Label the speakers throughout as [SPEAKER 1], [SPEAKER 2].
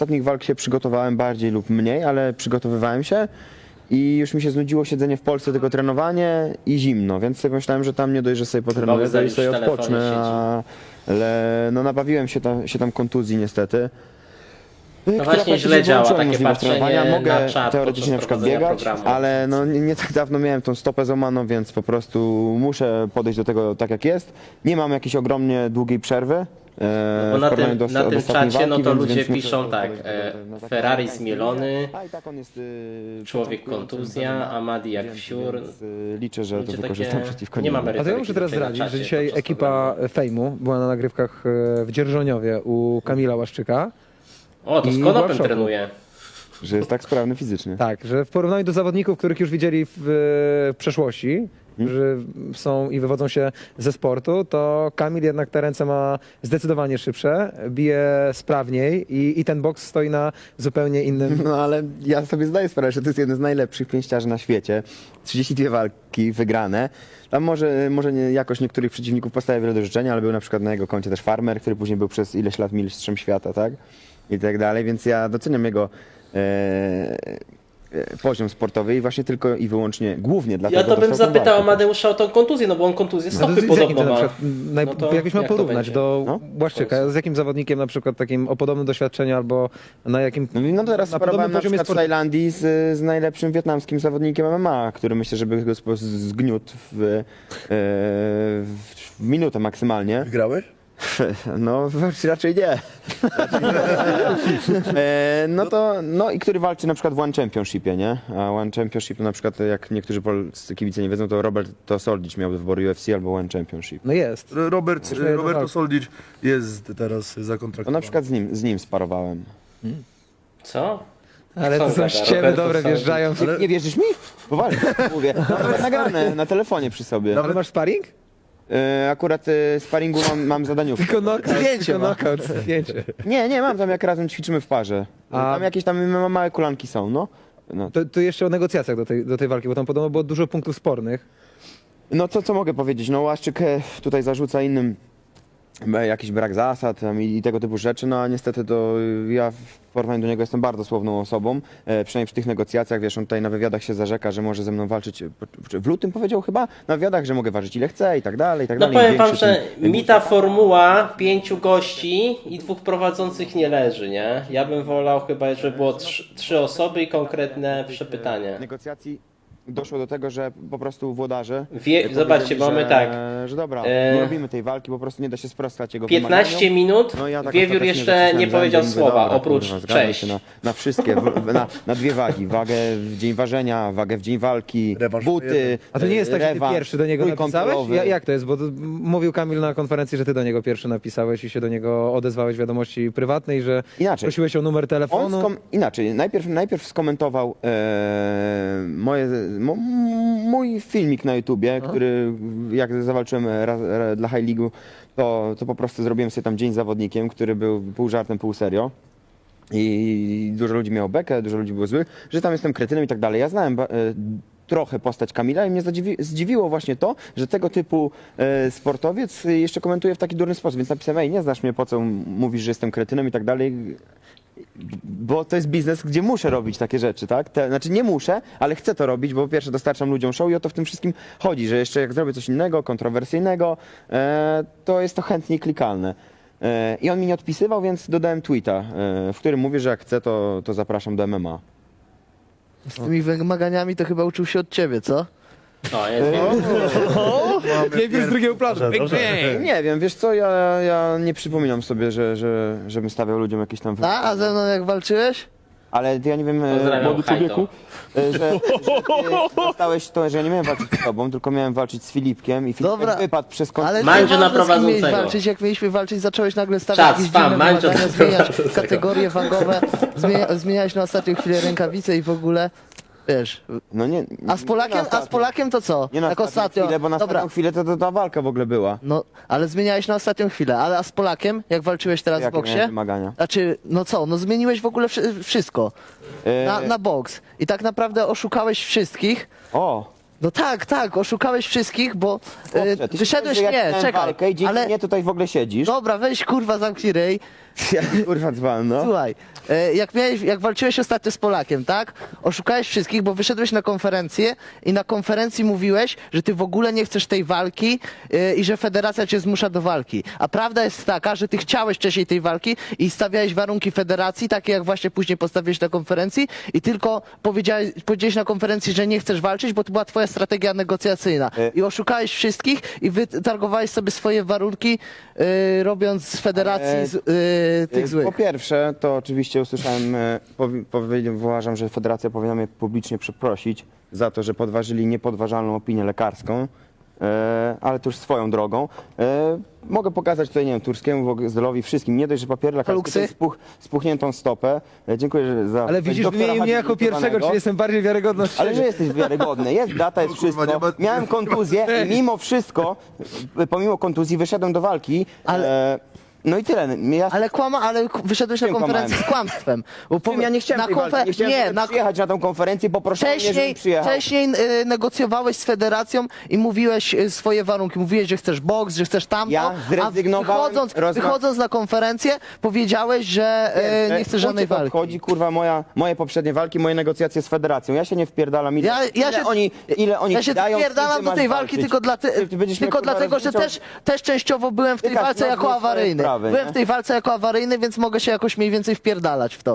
[SPEAKER 1] ostatnich walk się przygotowałem bardziej lub mniej, ale przygotowywałem się i już mi się znudziło siedzenie w Polsce, tylko trenowanie i zimno, więc sobie myślałem, że tam nie dość, że sobie potrenuję, to i
[SPEAKER 2] Bogdan
[SPEAKER 1] sobie
[SPEAKER 2] już w telefonie
[SPEAKER 1] odpocznę, ale no nabawiłem się tam kontuzji niestety.
[SPEAKER 2] No
[SPEAKER 1] która
[SPEAKER 2] właśnie
[SPEAKER 1] praktycznie
[SPEAKER 2] źle działa
[SPEAKER 1] wyłączyła
[SPEAKER 2] takie
[SPEAKER 1] możliwość
[SPEAKER 2] patrzenie
[SPEAKER 1] trenowania. Mogę
[SPEAKER 2] na czat
[SPEAKER 1] teoretycznie na
[SPEAKER 2] podczas
[SPEAKER 1] przykład biegać,
[SPEAKER 2] prowadzenia programu.
[SPEAKER 1] ale no nie tak dawno miałem tą stopę złamaną, więc po prostu muszę podejść do tego tak jak jest. Nie mam jakiejś ogromnie długiej przerwy.
[SPEAKER 2] Bo
[SPEAKER 1] w
[SPEAKER 2] na
[SPEAKER 1] porównaniu
[SPEAKER 2] tym,
[SPEAKER 1] do
[SPEAKER 2] na tym
[SPEAKER 1] ostatniej
[SPEAKER 2] czacie no
[SPEAKER 1] walki,
[SPEAKER 2] to
[SPEAKER 1] więc
[SPEAKER 2] ludzie
[SPEAKER 1] muszę
[SPEAKER 2] piszą tak,
[SPEAKER 1] podejść do takiej
[SPEAKER 2] Ferrari
[SPEAKER 1] walki.
[SPEAKER 2] zmielony,
[SPEAKER 1] A i tak on jest,
[SPEAKER 2] człowiek kontuzja, Amadi jak wsiur.
[SPEAKER 1] więc, liczę, że
[SPEAKER 2] Ludzie
[SPEAKER 1] to
[SPEAKER 2] takie-
[SPEAKER 1] wykorzystam przeciwko
[SPEAKER 2] nie ma
[SPEAKER 1] niemu.
[SPEAKER 3] A to ja muszę teraz
[SPEAKER 2] Tutaj na
[SPEAKER 3] zdradzić,
[SPEAKER 2] czacie
[SPEAKER 3] że dzisiaj
[SPEAKER 2] podczas
[SPEAKER 3] ekipa Fejmu była na nagrywkach w Dzierżoniowie u Kamila Łaszczyka.
[SPEAKER 2] O, to
[SPEAKER 3] I
[SPEAKER 2] z
[SPEAKER 3] była w
[SPEAKER 2] konopem
[SPEAKER 3] szoku.
[SPEAKER 2] trenuje.
[SPEAKER 1] Że jest tak sprawny fizycznie.
[SPEAKER 3] Tak, że w porównaniu do zawodników, których już widzieli w przeszłości, którzy są i wywodzą się ze sportu, to Kamil jednak te ręce ma zdecydowanie szybsze, bije sprawniej i ten boks stoi na zupełnie innym...
[SPEAKER 1] No ale ja sobie zdaję sprawę, że to jest jeden z najlepszych pięściarzy na świecie. 32 walki wygrane. Tam może nie, jakoś niektórych przeciwników postawia wiele do życzenia, ale był na przykład na jego koncie też Farmer, który później był przez ileś lat mistrzem świata, tak? I tak dalej, więc ja doceniam jego poziom sportowy i właśnie tylko i wyłącznie, głównie dlatego
[SPEAKER 2] Ja to bym
[SPEAKER 1] dostał tą
[SPEAKER 2] zapytał
[SPEAKER 1] walkę
[SPEAKER 2] Amadeusza o tą kontuzję, no bo on kontuzję
[SPEAKER 3] No
[SPEAKER 2] stopy
[SPEAKER 3] to z jakim
[SPEAKER 2] podobno
[SPEAKER 3] to na
[SPEAKER 2] ma.
[SPEAKER 3] przykład,
[SPEAKER 2] No to
[SPEAKER 3] jakbyś miał
[SPEAKER 2] jak to
[SPEAKER 3] porównać
[SPEAKER 2] będzie?
[SPEAKER 3] do
[SPEAKER 1] No.
[SPEAKER 3] Błaszczyka, z jakim zawodnikiem na przykład takim o podobnym doświadczeniu albo na jakim...
[SPEAKER 1] No teraz
[SPEAKER 3] na
[SPEAKER 1] sparowałem na
[SPEAKER 3] poziomie
[SPEAKER 1] przykład w Tajlandii z najlepszym wietnamskim zawodnikiem MMA, który myślę, żeby go zgniótł w minutę maksymalnie.
[SPEAKER 4] Wygrałeś?
[SPEAKER 1] No raczej nie. No i który walczy na przykład w One Championshipie, nie? A One Championship to na przykład, jak niektórzy polscy kibice nie wiedzą, to Roberto Soldic miał do wyboru UFC albo One Championship.
[SPEAKER 3] No jest.
[SPEAKER 4] Roberto Soldic jest teraz zakontraktowany.
[SPEAKER 1] To na przykład z nim sparowałem.
[SPEAKER 2] Co?
[SPEAKER 3] Ale
[SPEAKER 2] Co
[SPEAKER 3] to są
[SPEAKER 2] gada?
[SPEAKER 3] ściemy
[SPEAKER 2] Roberto
[SPEAKER 3] dobre,
[SPEAKER 2] Soldic.
[SPEAKER 3] wjeżdżają.
[SPEAKER 1] Nie wierzysz mi? Poważnie, mówię. Mam nagrane na telefonie przy sobie.
[SPEAKER 3] Ale masz sparring?
[SPEAKER 1] Akurat sparingu mam zadaniówkę.
[SPEAKER 3] Tylko knockout,
[SPEAKER 1] Zdjęcie
[SPEAKER 3] tylko
[SPEAKER 1] ma.
[SPEAKER 3] knockout, zdjęcie.
[SPEAKER 1] Nie, mam tam jak razem ćwiczymy w parze.
[SPEAKER 3] A-
[SPEAKER 1] Tam jakieś tam małe kolanki są, no.
[SPEAKER 3] To jeszcze o negocjacjach do tej walki, bo tam podobno było dużo punktów spornych.
[SPEAKER 1] No co mogę powiedzieć? No Łaszczyk tutaj zarzuca innym jakiś brak zasad tam i tego typu rzeczy, no a niestety to ja w porównaniu do niego jestem bardzo słowną osobą, przynajmniej przy tych negocjacjach, wiesz, on tutaj na wywiadach się zarzeka, że może ze mną walczyć, w lutym powiedział chyba, na wywiadach, że mogę ważyć ile chcę i tak dalej, i tak
[SPEAKER 2] No
[SPEAKER 1] dalej.
[SPEAKER 2] powiem wam,
[SPEAKER 1] Większy
[SPEAKER 2] że
[SPEAKER 1] tym-
[SPEAKER 2] mi ta formuła 5 gości i 2 prowadzących nie leży, nie? Ja bym wolał chyba, żeby było 3 osoby i konkretne przepytanie.
[SPEAKER 1] negocjacji doszło do tego, że po prostu włodarze
[SPEAKER 2] Zobaczcie,
[SPEAKER 1] powiedzieli,
[SPEAKER 2] mamy tak.
[SPEAKER 1] że dobra,
[SPEAKER 2] E,
[SPEAKER 1] nie robimy tej walki, po prostu nie da się sprostać jego
[SPEAKER 2] 15
[SPEAKER 1] wymaganiom.
[SPEAKER 2] minut,
[SPEAKER 1] No ja tak
[SPEAKER 2] Wiewiór
[SPEAKER 1] ostatecznie
[SPEAKER 2] jeszcze
[SPEAKER 1] zacisnąłem
[SPEAKER 2] nie
[SPEAKER 1] zęby
[SPEAKER 2] powiedział
[SPEAKER 1] i mówię,
[SPEAKER 2] słowa,
[SPEAKER 1] dobra,
[SPEAKER 2] oprócz
[SPEAKER 1] kurwa, zgadzam
[SPEAKER 2] cześć.
[SPEAKER 1] się na wszystkie, na dwie wagi. Wagę w dzień ważenia, wagę w dzień walki,
[SPEAKER 4] Rewanż
[SPEAKER 1] buty,
[SPEAKER 3] A to nie jest tak, że ty
[SPEAKER 1] rewanż,
[SPEAKER 3] pierwszy do niego napisałeś?
[SPEAKER 1] trójkątowy.
[SPEAKER 3] Jak to jest? Bo mówił Kamil na konferencji, że ty do niego pierwszy napisałeś i się do niego odezwałeś w wiadomości prywatnej, że
[SPEAKER 1] Inaczej.
[SPEAKER 3] prosiłeś o numer telefonu.
[SPEAKER 1] Inaczej, najpierw skomentował mój filmik na YouTubie, który jak zawalczyłem dla High League'u, to po prostu zrobiłem sobie tam dzień z zawodnikiem, który był pół żartem, pół serio. I dużo ludzi miało bekę, dużo ludzi było złych, że tam jestem kretynem i tak dalej. Ja znałem trochę postać Kamila i mnie zdziwiło właśnie to, że tego typu sportowiec jeszcze komentuje w taki durny sposób, więc napisałem, ej, nie znasz mnie, po co mówisz, że jestem kretynem i tak dalej, bo to jest biznes, gdzie muszę robić takie rzeczy, tak? Znaczy nie muszę, ale chcę to robić, bo po pierwsze dostarczam ludziom show i o to w tym wszystkim chodzi, że jeszcze jak zrobię coś innego, kontrowersyjnego, to jest to chętnie klikalne. I on mi nie odpisywał, więc dodałem tweeta, w którym mówię, że jak chcę, to zapraszam do MMA.
[SPEAKER 5] Z tymi wymaganiami to chyba uczył się od ciebie, co?
[SPEAKER 2] O, jest Wiewiór.
[SPEAKER 3] Wiewiór z drugiego planu.
[SPEAKER 1] Nie wiem, wiesz co, ja nie przypominam sobie, żebym stawiał ludziom jakieś tam...
[SPEAKER 5] A ze mną jak walczyłeś?
[SPEAKER 1] Ale ja nie wiem,
[SPEAKER 2] Pozdrawiam,
[SPEAKER 1] młody
[SPEAKER 2] Hajto.
[SPEAKER 1] człowieku, że ty dostałeś to, że ja nie miałem walczyć z tobą, tylko miałem walczyć z Filipkiem i Filip
[SPEAKER 5] Dobra,
[SPEAKER 1] wypadł przez kąt.
[SPEAKER 5] Ale
[SPEAKER 2] Mandzio na
[SPEAKER 5] nieważne, z kim miałeś
[SPEAKER 2] prowadzącego.
[SPEAKER 5] walczyć, jak mieliśmy walczyć, zacząłeś nagle stawiać
[SPEAKER 2] Czas,
[SPEAKER 5] jakieś
[SPEAKER 2] spam,
[SPEAKER 5] dziwne
[SPEAKER 2] Mandzio
[SPEAKER 5] wymagania,
[SPEAKER 2] na
[SPEAKER 5] zmieniać
[SPEAKER 2] prowadzącego.
[SPEAKER 5] kategorie wagowe, zmieniałeś na ostatnią chwilę rękawice i w ogóle, wiesz,
[SPEAKER 1] No nie,
[SPEAKER 5] a z Polakiem to co?
[SPEAKER 1] Nie na
[SPEAKER 5] Jak
[SPEAKER 1] ostatnią
[SPEAKER 5] ostatnio,
[SPEAKER 1] chwilę, bo na
[SPEAKER 5] dobra,
[SPEAKER 1] ostatnią chwilę to ta walka w ogóle była.
[SPEAKER 5] no, ale zmieniałeś na ostatnią chwilę, a z Polakiem, jak walczyłeś teraz w
[SPEAKER 1] Jakie
[SPEAKER 5] boksie?
[SPEAKER 1] miałem wymagania?
[SPEAKER 5] Znaczy, no co, no zmieniłeś w ogóle wszystko na boks i tak naprawdę oszukałeś wszystkich.
[SPEAKER 1] O!
[SPEAKER 5] No tak, oszukałeś wszystkich, bo
[SPEAKER 1] Chłopcze, ty
[SPEAKER 5] wyszedłeś,
[SPEAKER 1] się
[SPEAKER 5] nie,
[SPEAKER 1] miałem
[SPEAKER 5] czekaj,
[SPEAKER 1] walkę i dzięki
[SPEAKER 5] ale
[SPEAKER 1] mnie tutaj w ogóle siedzisz.
[SPEAKER 5] dobra, weź kurwa zamknij ryj,
[SPEAKER 1] Ja, kurwa dzban, no.
[SPEAKER 5] Słuchaj, jak walczyłeś ostatnio z Polakiem, tak? Oszukałeś wszystkich, bo wyszedłeś na konferencję i na konferencji mówiłeś, że ty w ogóle nie chcesz tej walki i że federacja cię zmusza do walki. A prawda jest taka, że ty chciałeś wcześniej tej walki i stawiałeś warunki federacji, takie jak właśnie później postawiłeś na konferencji i tylko powiedziałeś na konferencji, że nie chcesz walczyć, bo to była twoja strategia negocjacyjna. I oszukałeś wszystkich i wytargowałeś sobie swoje warunki, robiąc z federacji tych złych.
[SPEAKER 1] Po pierwsze, to oczywiście usłyszałem, uważam, że federacja powinna mnie publicznie przeprosić za to, że podważyli niepodważalną opinię lekarską, ale to już swoją drogą. Mogę pokazać tutaj, nie wiem, Turskiemu, Wogzelowi, wszystkim, nie dość, że papier lekarski,
[SPEAKER 5] Haluksy?
[SPEAKER 1] to spuchniętą stopę. Dziękuję za...
[SPEAKER 3] Ale widzisz,
[SPEAKER 1] doktora
[SPEAKER 3] wymienił mnie jako
[SPEAKER 1] habilitowanego.
[SPEAKER 3] pierwszego, czyli jestem bardziej wiarygodny od
[SPEAKER 1] Ale
[SPEAKER 3] ciebie.
[SPEAKER 1] że jesteś wiarygodny, jest data, jest
[SPEAKER 4] kurwa,
[SPEAKER 1] wszystko.
[SPEAKER 4] nie ma-
[SPEAKER 1] Miałem kontuzję i mimo wszystko, pomimo kontuzji wyszedłem do walki. No i tyle.
[SPEAKER 5] Ale wyszedłeś na
[SPEAKER 1] Czym
[SPEAKER 5] konferencję z kłamstwem. Bo
[SPEAKER 1] Ja nie chciałem tej walki, nie chciałem przyjechać na tą konferencję, poproszono mnie, żebym przyjechał.
[SPEAKER 5] Wcześniej negocjowałeś z federacją i mówiłeś swoje warunki. Mówiłeś, że chcesz boks, że chcesz tamto,
[SPEAKER 1] Ja zrezygnowałem,
[SPEAKER 5] wychodząc na konferencję powiedziałeś, że nie chcesz żadnej walki.
[SPEAKER 1] Chodzi, kurwa, moje poprzednie walki, moje negocjacje z federacją. Ja się nie wpierdalam. Ile oni
[SPEAKER 5] Ja się
[SPEAKER 1] dają,
[SPEAKER 5] wpierdalam
[SPEAKER 1] ty
[SPEAKER 5] do
[SPEAKER 1] masz
[SPEAKER 5] tej walki
[SPEAKER 1] walczyć.
[SPEAKER 5] tylko,
[SPEAKER 1] Ty będziesz mnie,
[SPEAKER 5] tylko
[SPEAKER 1] kurwa,
[SPEAKER 5] dlatego, że
[SPEAKER 1] rozliczał.
[SPEAKER 5] też częściowo byłem w tej
[SPEAKER 1] Ty
[SPEAKER 5] walce
[SPEAKER 1] każdy
[SPEAKER 5] jako
[SPEAKER 1] ma swoje
[SPEAKER 5] awaryjny.
[SPEAKER 1] sprawy,
[SPEAKER 5] Byłem
[SPEAKER 1] nie?
[SPEAKER 5] w tej walce jako awaryjny, więc mogę się jakoś mniej więcej wpierdalać w to.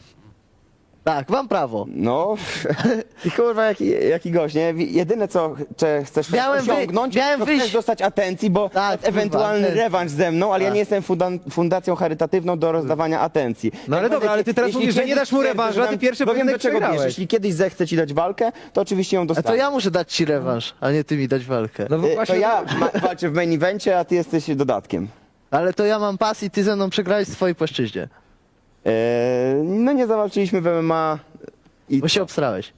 [SPEAKER 5] Tak, mam prawo.
[SPEAKER 1] No, i kurwa, jaki gość, nie? Jedyne, co chcesz osiągnąć, to chcesz dostać atencji, bo
[SPEAKER 5] Tak,
[SPEAKER 1] ewentualny
[SPEAKER 5] kurwa,
[SPEAKER 1] rewanż ze mną, ale ja nie jestem fundacją charytatywną do rozdawania atencji.
[SPEAKER 3] No ale
[SPEAKER 1] Jak
[SPEAKER 3] dobra,
[SPEAKER 1] będę
[SPEAKER 3] ale ty teraz
[SPEAKER 1] jeśli
[SPEAKER 3] mówisz, że nie
[SPEAKER 1] kiedyś
[SPEAKER 3] dasz mu
[SPEAKER 1] stwierdzę,
[SPEAKER 3] rewanżu,
[SPEAKER 1] że
[SPEAKER 3] a ty
[SPEAKER 1] dam-
[SPEAKER 3] pierwszy
[SPEAKER 1] bo wiem,
[SPEAKER 3] pojedynek
[SPEAKER 1] do czego
[SPEAKER 3] przegrałeś.
[SPEAKER 1] bierzesz. Jeśli kiedyś zechcę ci dać walkę, to oczywiście ją
[SPEAKER 5] A
[SPEAKER 1] dostanę.
[SPEAKER 5] to ja muszę dać ci rewanż, a nie ty mi dać walkę.
[SPEAKER 3] No bo
[SPEAKER 1] To
[SPEAKER 3] właśnie,
[SPEAKER 1] ja walczę w main evencie, a ty jesteś dodatkiem.
[SPEAKER 5] Ale to ja mam pas i ty ze mną przegrałeś w swojej płaszczyźnie.
[SPEAKER 1] No nie zawalczyliśmy w MMA i...
[SPEAKER 5] Bo się obstrałeś.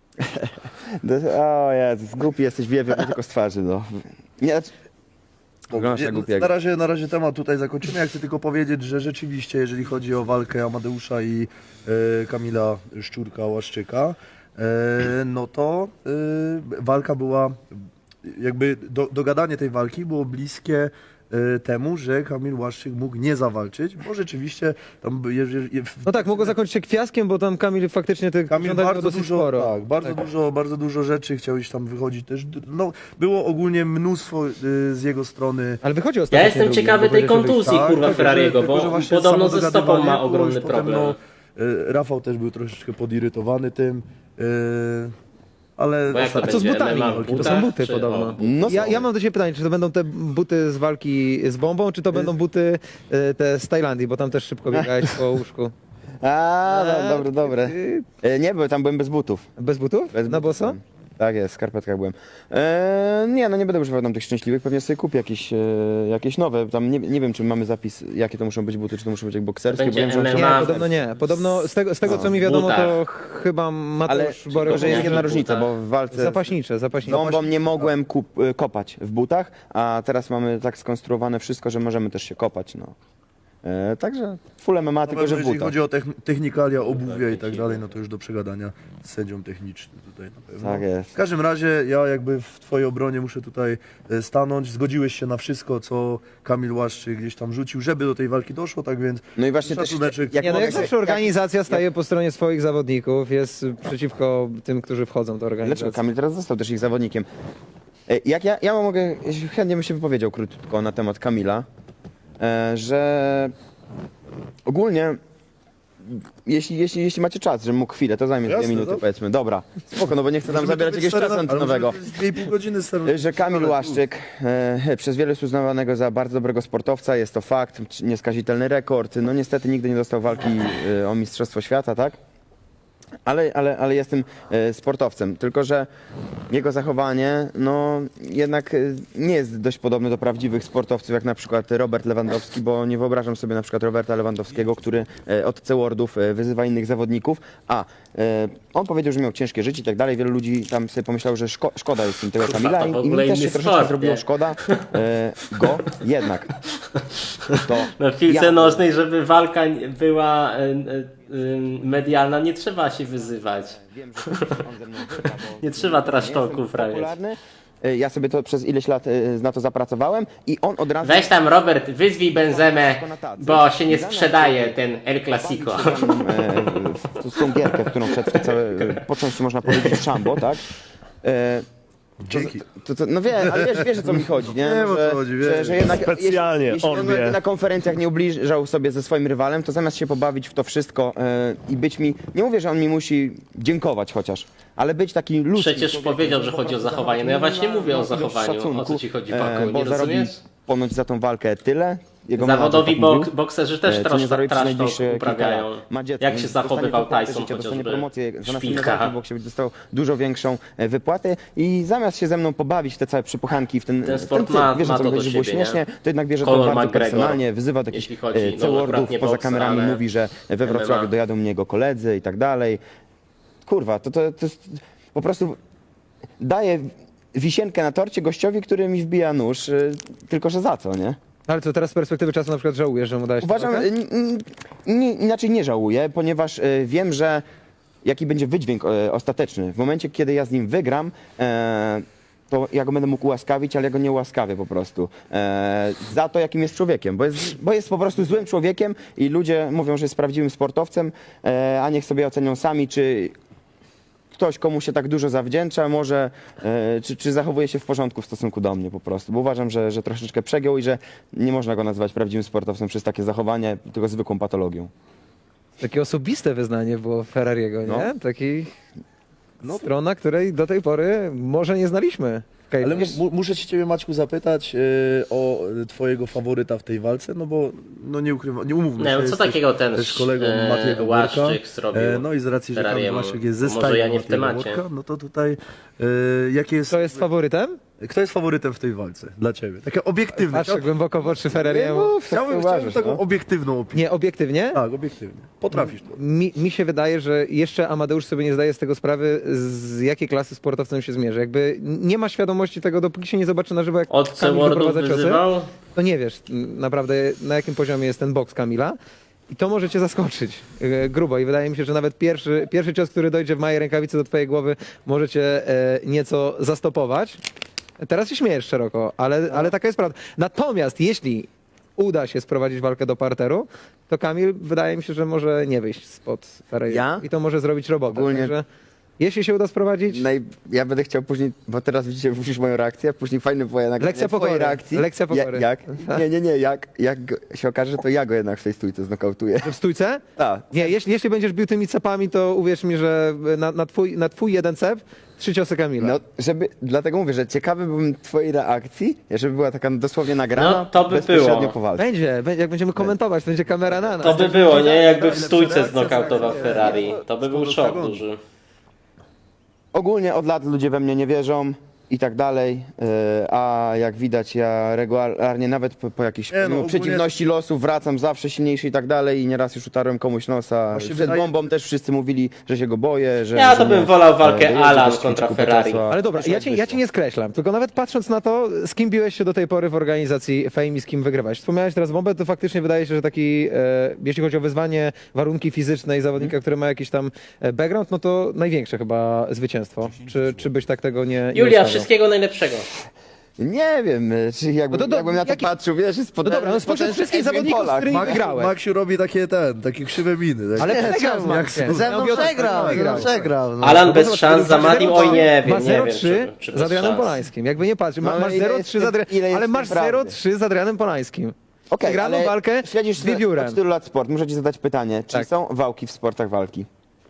[SPEAKER 1] O Jezus, głupi jesteś, wiem tylko z twarzy, no. Nie, wyglądasz jak głupiego.
[SPEAKER 4] Na razie temat tutaj zakończymy. Ja chcę tylko powiedzieć, że rzeczywiście, jeżeli chodzi o walkę Amadeusza i Kamila Szczurka-Łaszczyka, no to walka była, jakby dogadanie tej walki było bliskie temu, że Kamil Łaszczyk mógł nie zawalczyć, bo rzeczywiście tam
[SPEAKER 3] no tak, mogło zakończyć się kwiaskiem, bo tam Kamil faktycznie tych
[SPEAKER 4] Kamil
[SPEAKER 3] żądań miał
[SPEAKER 4] bardzo
[SPEAKER 3] dosyć
[SPEAKER 4] dużo,
[SPEAKER 3] sporo.
[SPEAKER 4] tak, bardzo dużo rzeczy chciał iść tam wychodzić też. No, było ogólnie mnóstwo z jego strony.
[SPEAKER 3] Ale wychodzi
[SPEAKER 2] Ja
[SPEAKER 3] ostatnio.
[SPEAKER 2] jestem ciekawy tej kontuzji,
[SPEAKER 4] Tak,
[SPEAKER 2] kurwa,
[SPEAKER 4] tylko,
[SPEAKER 2] Ferrariego,
[SPEAKER 4] tylko, że
[SPEAKER 2] bo
[SPEAKER 4] właśnie
[SPEAKER 2] podobno
[SPEAKER 4] samo
[SPEAKER 2] ze stopą ma
[SPEAKER 4] dogadywanie
[SPEAKER 2] ogromny
[SPEAKER 4] było już potem,
[SPEAKER 2] problem.
[SPEAKER 4] Rafał też był troszeczkę podirytowany tym, ale
[SPEAKER 2] Bo jak to
[SPEAKER 3] A co z
[SPEAKER 2] będzie?
[SPEAKER 3] butami?
[SPEAKER 2] MMA w
[SPEAKER 3] To są buty
[SPEAKER 2] czy-
[SPEAKER 3] podobno.
[SPEAKER 2] o, but-
[SPEAKER 1] No
[SPEAKER 3] Ja mam do ciebie pytanie, czy to będą te buty z walki z bombą, czy to będą buty te z Tajlandii, bo tam też szybko biegałeś po łóżku.
[SPEAKER 1] Dobre. Nie, bo tam byłem bez butów.
[SPEAKER 3] Bez butów?
[SPEAKER 1] Bez
[SPEAKER 3] Na
[SPEAKER 1] butów
[SPEAKER 3] boso?
[SPEAKER 1] byłem. Tak jest, w skarpetkach byłem. Nie, no nie będę używał tam tych szczęśliwych, pewnie sobie kupię jakieś nowe. Tam nie wiem, czy mamy zapis, jakie to muszą być buty, czy to muszą być jak bokserskie.
[SPEAKER 2] Będzie
[SPEAKER 1] bo wiem, że on
[SPEAKER 2] MMA.
[SPEAKER 1] się-
[SPEAKER 3] Nie, podobno nie. Podobno z tego co mi wiadomo, to chyba
[SPEAKER 1] Ale
[SPEAKER 3] Mateusz Borek...
[SPEAKER 1] tylko, że jest jedna
[SPEAKER 2] w
[SPEAKER 1] różnica,
[SPEAKER 2] butach.
[SPEAKER 1] bo w walce
[SPEAKER 3] Zapaśnicze.
[SPEAKER 1] bombą nie mogłem kopać w butach, a teraz mamy tak skonstruowane wszystko, że możemy też się kopać. No. Także full MMA, tylko że w
[SPEAKER 4] jeżeli
[SPEAKER 1] butach.
[SPEAKER 4] chodzi o technikalia, obuwia i tak dalej, no to już do przegadania z sędzią technicznym tutaj na pewno.
[SPEAKER 1] Tak jest.
[SPEAKER 4] W każdym razie ja jakby w twojej obronie muszę tutaj stanąć. Zgodziłeś się na wszystko, co Kamil Łaszczyk gdzieś tam rzucił, żeby do tej walki doszło, tak więc
[SPEAKER 1] No i właśnie też,
[SPEAKER 4] szacuneczek.
[SPEAKER 3] Nie, no jak
[SPEAKER 1] mogę-
[SPEAKER 3] zawsze organizacja staje po stronie swoich zawodników, jest przeciwko tym, którzy wchodzą do
[SPEAKER 1] Dlaczego
[SPEAKER 3] organizacji.
[SPEAKER 1] Kamil teraz został też ich zawodnikiem? Jak ja mogę, chętnie bym się wypowiedział krótko na temat Kamila, że ogólnie jeśli macie czas, że mógł chwilę, to zajmie 2
[SPEAKER 4] Jasne,
[SPEAKER 1] minuty
[SPEAKER 4] dobrze.
[SPEAKER 1] powiedzmy. Dobra, spoko, no bo nie chcę tam zabierać jakiegoś czasu antenowego.
[SPEAKER 4] 2,5 godziny
[SPEAKER 1] Że Kamil Łaszczyk, przez wielu jest uznawanego za bardzo dobrego sportowca, jest to fakt, nieskazitelny rekord. No niestety nigdy nie dostał walki o Mistrzostwo Świata, tak? Ale jestem sportowcem, tylko że jego zachowanie no jednak nie jest dość podobne do prawdziwych sportowców, jak na przykład Robert Lewandowski, bo nie wyobrażam sobie na przykład Roberta Lewandowskiego, który od C-wordów wyzywa innych zawodników, on powiedział, że miał ciężkie życie i tak dalej, wielu ludzi tam sobie pomyślało, że szkoda jest im tego
[SPEAKER 2] Kurwa,
[SPEAKER 1] Kamila
[SPEAKER 2] to w
[SPEAKER 1] i mi
[SPEAKER 2] ogóle
[SPEAKER 1] też się
[SPEAKER 2] inny
[SPEAKER 1] troszeczkę
[SPEAKER 2] sport,
[SPEAKER 1] zrobiło
[SPEAKER 2] nie?
[SPEAKER 1] szkoda go, jednak to
[SPEAKER 2] No w piłce
[SPEAKER 1] ja-
[SPEAKER 2] nożnej, żeby walka była medialna, nie trzeba się wyzywać.
[SPEAKER 1] Wiem, że on ze mną wygra, bo
[SPEAKER 2] Nie trzeba trash
[SPEAKER 1] nie
[SPEAKER 2] talków
[SPEAKER 1] jestem
[SPEAKER 2] prawie.
[SPEAKER 1] popularny. ja sobie to przez ileś lat na to zapracowałem i on od razu...
[SPEAKER 2] Weź tam, Robert, wyzwij Benzemę,
[SPEAKER 1] Tylko na tacy.
[SPEAKER 2] bo się nie
[SPEAKER 1] Zamiast,
[SPEAKER 2] sprzedaje ten El Clasico.
[SPEAKER 1] bawić się w tą gierkę, w którą wszedł w te całe, po części można powiedzieć szambo, tak?
[SPEAKER 4] Dzięki.
[SPEAKER 1] No wiem, ale wiesz o co mi chodzi, nie?
[SPEAKER 4] Wiem, o co chodzi, wiem.
[SPEAKER 1] Że jednak
[SPEAKER 6] Specjalnie,
[SPEAKER 1] jeśli
[SPEAKER 6] on
[SPEAKER 1] on
[SPEAKER 6] wie.
[SPEAKER 1] na konferencjach nie ubliżał sobie ze swoim rywalem, to zamiast się pobawić w to wszystko i być mi, nie mówię, że on mi musi dziękować chociaż, ale być taki ludzki.
[SPEAKER 2] Przecież
[SPEAKER 1] człowiekiem,
[SPEAKER 2] powiedział,
[SPEAKER 1] po
[SPEAKER 2] że chodzi o
[SPEAKER 1] prostu
[SPEAKER 2] zachowanie. No ja właśnie
[SPEAKER 1] na-
[SPEAKER 2] mówię o
[SPEAKER 1] ilość
[SPEAKER 2] zachowaniu.
[SPEAKER 1] szacunku,
[SPEAKER 2] O co ci chodzi, Paku?
[SPEAKER 1] bo
[SPEAKER 2] Nie
[SPEAKER 1] zarobi
[SPEAKER 2] rozumiesz?
[SPEAKER 1] ponoć za tą walkę tyle. Jego
[SPEAKER 2] Zawodowi
[SPEAKER 1] menadżer tak mówił.
[SPEAKER 2] bokserzy też
[SPEAKER 1] Co nie zarobi przez
[SPEAKER 2] trash
[SPEAKER 1] najbliższe
[SPEAKER 2] talk uprawiają.
[SPEAKER 1] kilka lat. Ma dziecko,
[SPEAKER 2] Jak się
[SPEAKER 1] więc
[SPEAKER 2] zachowywał
[SPEAKER 1] dostanie
[SPEAKER 2] Tyson
[SPEAKER 1] życie, dostanie
[SPEAKER 2] chociażby.
[SPEAKER 1] promocję, za następne
[SPEAKER 2] Szpilka.
[SPEAKER 1] walki w boksie będzie dostał dużo większą wypłatę i zamiast się ze mną pobawić w te całe przypuchanki, w ten
[SPEAKER 2] sport
[SPEAKER 1] cyrk,
[SPEAKER 2] ma-
[SPEAKER 1] wiesz,
[SPEAKER 2] ma
[SPEAKER 1] o co
[SPEAKER 2] to
[SPEAKER 1] mi
[SPEAKER 2] do
[SPEAKER 1] chodzi, że było
[SPEAKER 2] siebie,
[SPEAKER 1] śmiesznie, to jednak bierze
[SPEAKER 2] Conor
[SPEAKER 1] to bardzo
[SPEAKER 2] McGregor,
[SPEAKER 1] personalnie, wyzywa takich
[SPEAKER 2] jeśli chodzi, no,
[SPEAKER 1] C-wordów,
[SPEAKER 2] akurat nie
[SPEAKER 1] poza
[SPEAKER 2] bokser,
[SPEAKER 1] kamerami
[SPEAKER 2] ale
[SPEAKER 1] mówi, że we Wrocławiu
[SPEAKER 2] MMA.
[SPEAKER 1] dojadą mnie jego koledzy i tak dalej. Kurwa, to jest po prostu daje wisienkę na torcie gościowi, który mi wbija nóż, tylko że za co, nie?
[SPEAKER 3] Ale co, teraz z perspektywy czasu na przykład żałujesz, że mu dałeś tę
[SPEAKER 1] Uważam,
[SPEAKER 3] walkę?
[SPEAKER 1] inaczej nie żałuję, ponieważ wiem, że jaki będzie wydźwięk ostateczny. W momencie, kiedy ja z nim wygram, to ja go będę mógł ułaskawić, ale ja go nie ułaskawię po prostu. Za to, jakim jest człowiekiem, bo jest po prostu złym człowiekiem i ludzie mówią, że jest prawdziwym sportowcem, a niech sobie ocenią sami, czy ktoś, komu się tak dużo zawdzięcza, może, czy zachowuje się w porządku w stosunku do mnie po prostu. Bo uważam, że troszeczkę przegiął i że nie można go nazywać prawdziwym sportowcem przez takie zachowanie, tylko zwykłą patologią.
[SPEAKER 3] Takie osobiste wyznanie było Ferrariego, nie?
[SPEAKER 1] No.
[SPEAKER 3] Taki strona, której do tej pory może nie znaliśmy. Okay.
[SPEAKER 4] Ale muszę się ciebie, Maćku, zapytać o twojego faworyta w tej walce, no bo no nie ukrywam, nie umówmy
[SPEAKER 2] Nie,
[SPEAKER 4] się.
[SPEAKER 2] co
[SPEAKER 4] jesteś
[SPEAKER 2] takiego ten
[SPEAKER 4] też kolegą Matiego
[SPEAKER 2] Łaszczyk
[SPEAKER 4] Worka.
[SPEAKER 2] zrobił
[SPEAKER 4] No i z racji, że Kamil
[SPEAKER 2] Ferrariemu.
[SPEAKER 4] Łaszczyk jest ze
[SPEAKER 2] Może
[SPEAKER 4] stajni
[SPEAKER 2] ja nie w
[SPEAKER 4] Matiego
[SPEAKER 2] temacie.
[SPEAKER 4] Worka, no to tutaj jakie jest...
[SPEAKER 3] Kto jest faworytem?
[SPEAKER 4] Kto jest faworytem w tej walce dla ciebie? Takie obiektywne.
[SPEAKER 3] Patrzę głęboko w oczy Ferrariemu.
[SPEAKER 4] Chciałbym taką obiektywną opinię.
[SPEAKER 3] Nie, obiektywnie?
[SPEAKER 4] Tak, obiektywnie. Potrafisz to.
[SPEAKER 3] Mi się wydaje, że jeszcze Amadeusz sobie nie zdaje z tego sprawy, z jakiej klasy sportowcem się zmierzy. Jakby nie ma świadomości tego, dopóki się nie zobaczy na żywo, jak
[SPEAKER 2] Od
[SPEAKER 3] Kamil
[SPEAKER 2] C-wordów
[SPEAKER 3] wyprowadza ciosy,
[SPEAKER 2] wyzywał?
[SPEAKER 3] to nie wiesz naprawdę, na jakim poziomie jest ten boks Kamila. I to może cię zaskoczyć grubo. I wydaje mi się, że nawet pierwszy cios, który dojdzie w małej rękawicy do twojej głowy, może cię nieco zastopować. Teraz się śmiejesz szeroko, ale taka jest prawda. Natomiast jeśli uda się sprowadzić walkę do parteru, to Kamil wydaje mi się, że może nie wyjść spod Ferrari.
[SPEAKER 1] Ja?
[SPEAKER 3] I to może zrobić robotę.
[SPEAKER 1] Ogólnie-
[SPEAKER 3] Także jeśli się uda sprowadzić,
[SPEAKER 1] Ja będę chciał później, bo teraz widzisz moją reakcję, później fajny było jednak
[SPEAKER 3] Lekcja
[SPEAKER 1] twojej
[SPEAKER 3] pokory.
[SPEAKER 1] reakcji.
[SPEAKER 3] Lekcja pokory.
[SPEAKER 1] Jak? Nie, jak się okaże, to ja go jednak w tej stójce znokautuję.
[SPEAKER 3] w stójce?
[SPEAKER 1] Tak.
[SPEAKER 3] Nie, jeśli będziesz bił tymi cepami, to uwierz mi, że na twój jeden cep 3 ciosy Kamila.
[SPEAKER 1] No, dlatego mówię, że ciekawy byłbym twojej reakcji, żeby była taka dosłownie nagrana,
[SPEAKER 2] No, to by
[SPEAKER 1] bezpośrednio
[SPEAKER 2] było.
[SPEAKER 1] po walce.
[SPEAKER 3] Będzie, jak będziemy komentować, to będzie kamera na nas.
[SPEAKER 2] To by było, nie? Jakby w stójce
[SPEAKER 4] reakcja,
[SPEAKER 2] znokautował
[SPEAKER 4] tak,
[SPEAKER 2] Ferrari. To by był szok duży.
[SPEAKER 1] Ogólnie od lat ludzie we mnie nie wierzą i tak dalej, a jak widać ja regularnie nawet po jakichś
[SPEAKER 4] Nie, no,
[SPEAKER 1] mimo
[SPEAKER 4] ogólnie-
[SPEAKER 1] przeciwności losu wracam zawsze silniejszy i tak dalej i nieraz już utarłem komuś nosa.
[SPEAKER 4] Właśnie
[SPEAKER 1] Przed
[SPEAKER 4] wydaje-
[SPEAKER 1] bombą też wszyscy mówili, że się go boję, że...
[SPEAKER 2] Ja
[SPEAKER 1] że
[SPEAKER 2] to bym
[SPEAKER 1] mnie,
[SPEAKER 2] wolał walkę
[SPEAKER 1] dojedzie
[SPEAKER 2] Alan
[SPEAKER 1] do
[SPEAKER 2] kontra
[SPEAKER 1] szczytu
[SPEAKER 2] Ferrari.
[SPEAKER 1] Czesła.
[SPEAKER 3] Ale dobra,
[SPEAKER 1] Wyszło,
[SPEAKER 3] ja cię nie skreślam, tylko nawet patrząc na to, z kim biłeś się do tej pory w organizacji Fame i z kim wygrywałeś. Wspomniałeś teraz bombę, to faktycznie wydaje się, że taki, jeśli chodzi o wyzwanie, warunki fizyczne i zawodnika, który ma jakiś tam background, no to największe chyba zwycięstwo. Czy byś tak tego nie
[SPEAKER 2] Julia,
[SPEAKER 3] ustawiał?
[SPEAKER 2] wszystkiego najlepszego.
[SPEAKER 1] Nie wiem, czy jakbym,
[SPEAKER 3] No to
[SPEAKER 1] jakbym na to
[SPEAKER 3] jaki-
[SPEAKER 1] patrzył, wiesz, jest
[SPEAKER 3] No dobra, no spośród wszystkich zawodników, z którymi wygrałeś.
[SPEAKER 4] Maksiu robi takie krzywe miny. Tak?
[SPEAKER 3] Ale przegrał z
[SPEAKER 4] jak
[SPEAKER 3] Maxiem.
[SPEAKER 5] Ze mną
[SPEAKER 3] Ja mówię o tym,
[SPEAKER 5] przegrał,
[SPEAKER 3] wygrał.
[SPEAKER 5] przegrał. No.
[SPEAKER 2] Alan bez szans za Matim, oj nie
[SPEAKER 3] Ma
[SPEAKER 2] wiem, nie wiem
[SPEAKER 3] 0-3
[SPEAKER 2] czy
[SPEAKER 3] z
[SPEAKER 2] bez
[SPEAKER 3] Adrianem
[SPEAKER 2] szans.
[SPEAKER 3] Polańskim. Jakby nie patrz,
[SPEAKER 1] No, ale
[SPEAKER 3] masz
[SPEAKER 1] ile
[SPEAKER 3] 0-3 z
[SPEAKER 1] jest
[SPEAKER 3] Adrianem,
[SPEAKER 1] ile jest
[SPEAKER 3] ale masz
[SPEAKER 1] prawdy?
[SPEAKER 3] 0-3 z Adrianem Polańskim.
[SPEAKER 1] Okej,
[SPEAKER 3] Wygraną
[SPEAKER 1] ale
[SPEAKER 3] walkę
[SPEAKER 1] śledzisz
[SPEAKER 3] z wiewiórem.
[SPEAKER 1] od tylu lat sport, muszę ci zadać pytanie, czy
[SPEAKER 3] Tak.
[SPEAKER 1] są wałki w sportach walki?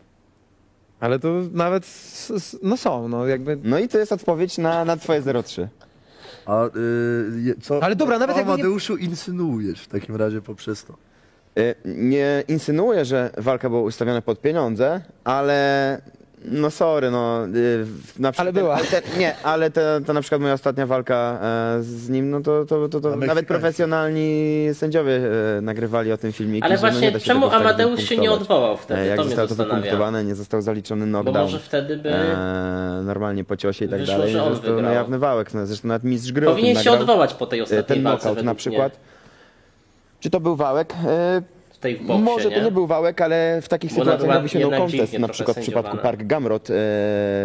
[SPEAKER 3] Ale to nawet, no są, no jakby...
[SPEAKER 1] No i to jest odpowiedź na twoje 0,3.
[SPEAKER 4] A co
[SPEAKER 3] Ale dobra, nawet
[SPEAKER 4] o
[SPEAKER 3] jakby nie-
[SPEAKER 4] Amadeuszu insynuujesz w takim razie poprzez to?
[SPEAKER 1] Nie insynuuję, że walka była ustawiona pod pieniądze, ale no sorry, no na przykład,
[SPEAKER 3] Ale była.
[SPEAKER 1] Nie, ale to na przykład moja ostatnia walka z nim, no to
[SPEAKER 4] Meksykański.
[SPEAKER 1] nawet profesjonalni sędziowie nagrywali o tym filmiki.
[SPEAKER 2] Ale
[SPEAKER 1] że no
[SPEAKER 2] właśnie
[SPEAKER 1] nie da się
[SPEAKER 2] czemu
[SPEAKER 1] tego tak
[SPEAKER 2] Amadeusz się nie
[SPEAKER 1] wypunktować.
[SPEAKER 2] odwołał wtedy?
[SPEAKER 1] Jak
[SPEAKER 2] To mnie
[SPEAKER 1] zostało to
[SPEAKER 2] zastanawia.
[SPEAKER 1] wypunktowane, nie został zaliczony
[SPEAKER 2] Bo
[SPEAKER 1] knockdown.
[SPEAKER 2] może wtedy by...
[SPEAKER 1] Normalnie po ciosie i tak
[SPEAKER 2] Wyszło,
[SPEAKER 1] dalej.
[SPEAKER 2] że on
[SPEAKER 1] Został
[SPEAKER 2] wygrał.
[SPEAKER 1] niejawny wałek, no, zresztą nawet mistrz gry o tym
[SPEAKER 2] Powinien się
[SPEAKER 1] nagrał.
[SPEAKER 2] odwołać po tej ostatniej
[SPEAKER 1] Ten
[SPEAKER 2] walce
[SPEAKER 1] knockout na
[SPEAKER 2] według
[SPEAKER 1] przykład.
[SPEAKER 2] mnie.
[SPEAKER 1] Czy to był wałek?
[SPEAKER 2] W tej w boksie,
[SPEAKER 1] Może to nie był wałek, ale w takich
[SPEAKER 2] Bo
[SPEAKER 1] sytuacjach
[SPEAKER 2] natural-
[SPEAKER 1] robi się no
[SPEAKER 2] jednak
[SPEAKER 1] contest,
[SPEAKER 2] dziwnie
[SPEAKER 1] na
[SPEAKER 2] trochę
[SPEAKER 1] przykład w przypadku
[SPEAKER 2] sędziowane.
[SPEAKER 1] Park Gamrot.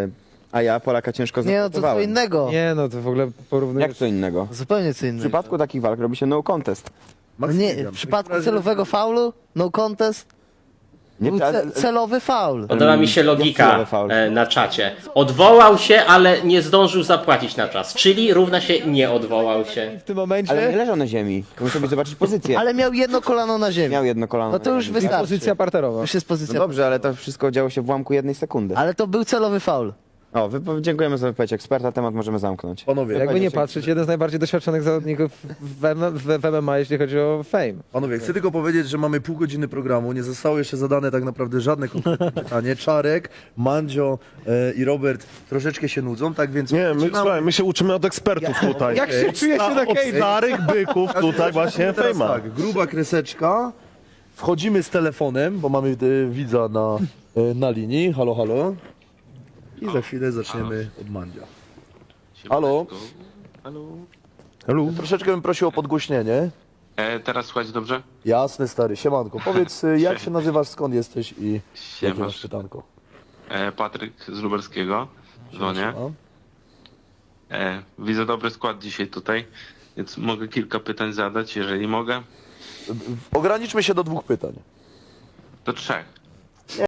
[SPEAKER 1] A ja Polaka ciężko
[SPEAKER 5] Nie, no to co
[SPEAKER 1] zaakceptowałem.
[SPEAKER 5] innego.
[SPEAKER 3] Nie, no to w ogóle porównujesz...
[SPEAKER 1] Jak co innego?
[SPEAKER 5] Zupełnie co
[SPEAKER 1] W
[SPEAKER 5] innego.
[SPEAKER 1] przypadku takich walk robi się no contest.
[SPEAKER 5] No nie,
[SPEAKER 4] Maksymilian,
[SPEAKER 5] w przypadku
[SPEAKER 4] takim razie-
[SPEAKER 5] celowego faulu, no contest,
[SPEAKER 1] Nie,
[SPEAKER 5] był celowy faul.
[SPEAKER 2] Podoba mi się logika
[SPEAKER 1] celowy faul.
[SPEAKER 2] na czacie. Odwołał się, ale nie zdążył zapłacić na czas. Czyli równa się nie odwołał się.
[SPEAKER 3] W tym momencie
[SPEAKER 1] ale nie leżał na ziemi. Muszę sobie zobaczyć pozycję.
[SPEAKER 5] Ale miał jedno kolano na ziemi.
[SPEAKER 1] Miał jedno kolano.
[SPEAKER 5] No to
[SPEAKER 1] na
[SPEAKER 5] już
[SPEAKER 1] ziemi.
[SPEAKER 5] wystarczy.
[SPEAKER 3] pozycja parterowa.
[SPEAKER 5] Już jest
[SPEAKER 1] No
[SPEAKER 5] pozycja.
[SPEAKER 1] dobrze, ale to wszystko działo się w ułamku 1 sekundy.
[SPEAKER 5] Ale to był celowy faul.
[SPEAKER 1] O, dziękujemy za wypowiedź eksperta, temat możemy zamknąć.
[SPEAKER 4] Panowie,
[SPEAKER 3] Jakby nie patrzeć, jeden z najbardziej doświadczonych zawodników w MMA, jeśli chodzi o fame.
[SPEAKER 4] Panowie, chcę tylko powiedzieć, że mamy pół godziny programu, nie zostało jeszcze zadane tak naprawdę żadne konkretne pytanie. Czarek, Mandzio i Robert troszeczkę się nudzą, tak więc...
[SPEAKER 6] Nie, my,
[SPEAKER 4] zaczynamy.
[SPEAKER 6] słuchaj, my się uczymy od ekspertów tutaj.
[SPEAKER 3] Jak się czuje się na
[SPEAKER 6] Od
[SPEAKER 3] Cage'ie?
[SPEAKER 6] starych byków tutaj właśnie
[SPEAKER 4] Teraz
[SPEAKER 6] fejma.
[SPEAKER 4] tak, gruba kreseczka, wchodzimy z telefonem, bo mamy widza na linii, halo, halo. I za chwilę zaczniemy od Mandzia. Halo?
[SPEAKER 6] Halo?
[SPEAKER 4] Troszeczkę bym prosił o podgłośnienie.
[SPEAKER 7] Teraz słuchać dobrze?
[SPEAKER 4] Jasne, stary, siemanko. Powiedz, jak się nazywasz, skąd jesteś i jakie
[SPEAKER 7] Siemasz.
[SPEAKER 4] masz pytanko?
[SPEAKER 7] Patryk z Lubelskiego. Dzwonię.
[SPEAKER 4] A?
[SPEAKER 7] Widzę dobry skład dzisiaj tutaj, więc mogę kilka pytań zadać, jeżeli mogę.
[SPEAKER 4] Ograniczmy się do 2 pytań.
[SPEAKER 7] Do 3.